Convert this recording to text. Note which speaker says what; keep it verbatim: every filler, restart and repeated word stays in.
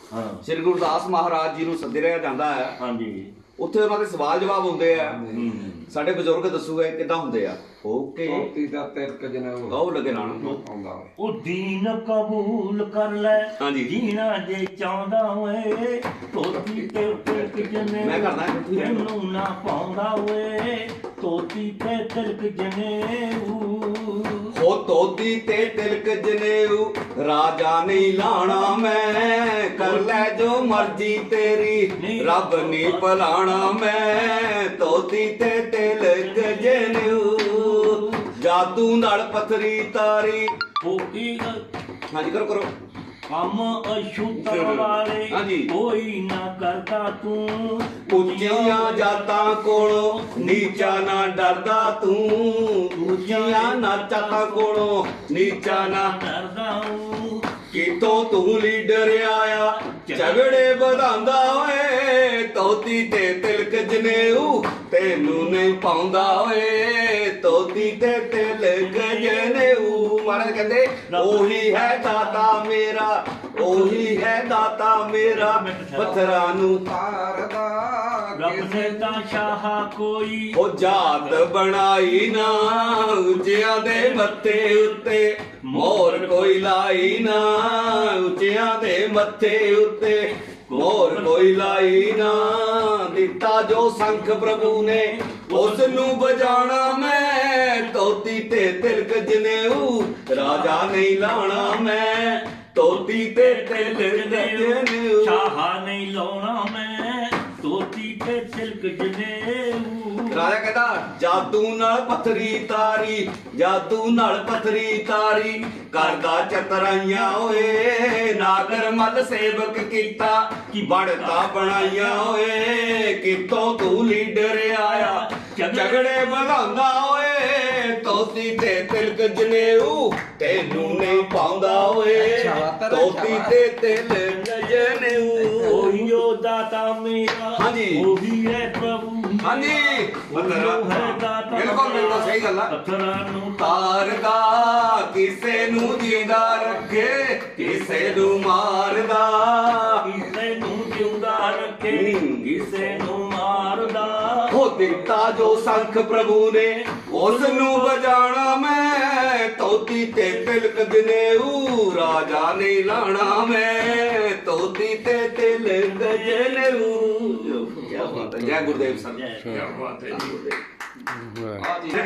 Speaker 1: श्री गुरदास महाराज जी नूं सੱਦਿਆ ਜਾਂਦਾ है।
Speaker 2: हाँ जी
Speaker 1: ਉੱਥੇ ਉਹਨਾਂ ਦੇ ਸਵਾਲ ਜਵਾਬ ਹੁੰਦੇ ਆ। ਸਾਡੇ ਬਜ਼ੁਰਗ ਦੱਸੂਗੇ ਕਿੱਦਾਂ ਹੁੰਦੇ ਆ। ਓਕੇ
Speaker 3: ਧੋਤੀ ਦਾ ਤਿਲਕ ਜਨੇਊ
Speaker 1: ਗਾਉ ਲੱਗੇ ਲਾਣ
Speaker 3: ਆਉਂਦਾ ਓਏ
Speaker 2: ਉਹ ਦੀਨ ਕਬੂਲ ਕਰ ਲੈ
Speaker 1: ਹਾਂਜੀ।
Speaker 2: ਜੀਣਾ ਜੇ ਚਾਹੁੰਦਾ ਓਏ ਧੋਤੀ ਤੇ ਤਿਲਕ ਜਨੇ
Speaker 1: ਮੈਂ ਕਰਦਾ
Speaker 2: ਤੈਨੂੰ ਨਾ ਪਾਉਂਦਾ ਓਏ ਧੋਤੀ ਤੇ ਤਿਲਕ ਜਨੇਊ
Speaker 1: ਹੋ ਧੋਤੀ ਤੇ ਤਿਲਕ ਜਨੇਊ ਰਾਜਾ ਨਹੀਂ ਲਾਣਾ ਮੈਂ ਕਰ ਲੈ ਜੋ ਮਰਜ਼ੀ ਤੇਰੀ ਰੱਬ ਨਹੀਂ ਭਲਾਣਾ ਮੈਂ ਧੋਤੀ ਤੇ ਤਿਲਕ ਜਨੇਊ ਜਾਦੂ ਨਾਲ ਪੱਥਰੀ ਤਾਰੀ
Speaker 2: ਕੋਈ
Speaker 1: ਹਾਂਜੀ ਕਰੋ ਕਰੋ
Speaker 2: ਕੰਮ ਅਸ਼ੁੱਧ ਵਾਲੇ
Speaker 1: ਹਾਂਜੀ।
Speaker 2: ਕੋਈ ਨਾ ਕਰਦਾ ਤੂੰ
Speaker 1: ਉੱਚੀਆਂ ਜਾਤਾਂ ਕੋਲੋਂ ਨੀਚਾ ਨਾ ਡਰਦਾ ਤੂੰ ਉੱਚੀਆਂ ਨਾਚਾਂ ਕੋਲੋਂ ਨੀਚਾ ਨਾ
Speaker 2: ਡਰਦਾ ਹੂੰ
Speaker 1: ਕਿਤੋਂ ਤੂੰ ਲੀਡਰ ਆਇਆ ਝਗੜੇ ਵਧਾਉਂਦਾ ਓਏ ਧੋਤੀ ਤੇ ਤਿਲਕ ਜਨੇਊ ਤੈਨੂੰ ਨਹੀਂ ਪਾਉਂਦਾ ਓਏ ਧੋਤੀ ਤੇ ਤਿਲਕ ਜਨੇਊ। ਮਹਾਰਾਜ ਕਹਿੰਦੇ ਉਹੀ ਹੈ ਦਾਤਾ ਮੇਰਾ ਉਹੀ ਹੈ ਦਾਤਾ ਮੇਰਾ ਪੱਥਰਾਂ ਨੂੰ
Speaker 3: ਤਾਰਦਾ
Speaker 2: ਰੱਬ ਨੇ ਤਾਂ ਸ਼ਾਹ ਕੋਈ
Speaker 1: ਉਹ ਜਾਤ ਬਣਾਈ ਨਾ ਉੱਚਿਆਂ ਦੇ ਮੱਥੇ ਉੱਤੇ ਮੋਰ ਕੋਈ ਲਾਈ ਨਾ ਉੱਚਿਆਂ ਦੇ ਮੱਥੇ ਉੱਤੇ ਮੋਰ ਕੋਈ ਲਾਈ ਨਾ ਦਿੱਤਾ ਜੋ ਸੰਖ ਪ੍ਰਭੂ ਨੇ ਉਸ ਨੂੰ ਵਜਾਣਾ ਮੈਂ ਧੋਤੀ ਤੇ ਤਿਲਕ ਜਨੇਊ ਰਾਜਾ ਨਹੀਂ ਲਾਣਾ ਮੈਂ ਧੋਤੀ ਤੇ ਤਿਲਕ ਜਨੇਊ
Speaker 2: ਸ਼ਾਹ ਨਹੀਂ ਲਾਉਣਾ ਮੈਂ ਧੋਤੀ ਤੇ ਤਿਲਕ ਜਨੇਊ
Speaker 1: ਰਾਜਾ ਕਹਿੰਦਾ ਜਾਦੂ ਨਾਲ ਪੱਥਰੀ ਤਾਰੀ ਜਾਦੂ ਨਾਲ ਪੱਥਰੀ ਤਾਰੀ ਕਰਦਾ ਚਤਰਾਈਆਂ ਓਏ ਨਾਗਰ ਮੱਲ ਸੇਵਕ ਕੀਤਾ ਕਿ ਬਣਦਾ ਬਣਾਈਆਂ ਓਏ ਕਿਤੋਂ ਤੂੰ ਲੀਡਰ ਆਇਆ ਝਗੜੇ ਵਧਾਉਂਦਾ ਓਏ ਧੋਤੀ ਤੇ ਤਿਲਕ ਜਨੇਊ ਤੈਨੂੰ ਨਹੀਂ ਪਾਉਂਦਾ ਓਏ ਧੋਤੀ ਤੇ ਤਿਲਕ ਜਨੇਊ
Speaker 2: ਉਹੀ ਓ ਦਾਤਾ ਮੇਰਾ
Speaker 1: ਹਾਂਜੀ।
Speaker 2: ਉਹੀ ਹੈ ਪ੍ਰਭੂ
Speaker 1: ਹਾਂਜੀ
Speaker 2: ਬਿਲਕੁਲ
Speaker 1: ਬਿਲਕੁਲ ਸਹੀ ਗੱਲ ਆ।
Speaker 2: ਪੱਥਰਾਂ ਨੂੰ
Speaker 1: ਤਾਰਦਾ ਕਿਸੇ ਨੂੰ ਜਿੰਦਾ ਰੱਖੇ ਕਿਸੇ ਨੂੰ ਮਾਰਦਾ
Speaker 2: ਕਿਸੇ ਨੂੰ ਜਿਉਂਦਾ ਰੱਖੇ ਕਿਸੇ ਨੂੰ ਮਾਰਦਾ
Speaker 1: ਹੋ ਦਿੱਤਾ ਜੋ ਸੰਖ ਪ੍ਰਭੂ ਨੇ ਉਸ ਨੂੰ ਵਜਾਣਾ ਮੈਂ ਧੋਤੀ ਤੇ ਤਿਲਕ ਜਨੇਊ ਰਾਜਾ ਨਹੀਂ ਲਾਣਾ ਮੈਂ ਧੋਤੀ ਤੇ ਤਿਲਕ ਜਨੇਊ। ਕੀ ਬਾਤ ਹੈ ਜੈ ਗੁਰਦੇਵ ਸਾਹਿਬ।
Speaker 2: ਜੈ
Speaker 1: ਕੀ ਬਾਤ ਹੈ ਜੀ।